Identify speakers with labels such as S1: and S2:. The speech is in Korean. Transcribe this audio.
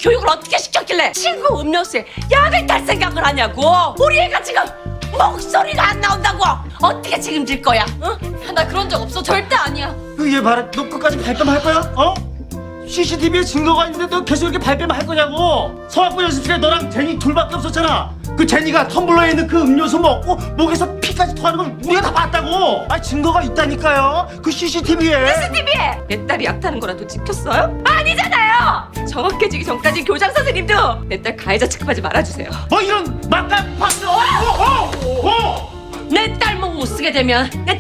S1: 교육을 어떻게 시켰길래 친구 음료수에 약을 탈 생각을 하냐고. 우리 애가 지금 목소리가 안 나온다고. 어떻게 책임질 거야? 응?
S2: 나 그런 적 없어. 절대 아니야.
S3: 얘 봐라, 너 끝까지 발뺌할 거야? 어? CCTV에 증거가 있는데 너 계속 이렇게 발뺌할 거냐고. 서학부 연습실에 너랑 제니 둘밖에 없었잖아. 그 제니가 텀블러에 있는 그 음료수 먹고 목에서 피까지 토하는 걸 우리가 다 봤다고. 아, 증거가 있다니까요. 그 CCTV에.
S1: CCTV에 내 딸이 약 타는 거라도 찍혔어요? 아니잖아요. 정확해지기 전까지 교장 선생님도 내 딸 가해자 취급하지 말아주세요.
S3: 뭐 이런 막간 박스.
S1: 내 딸 목 못 쓰게 되면 내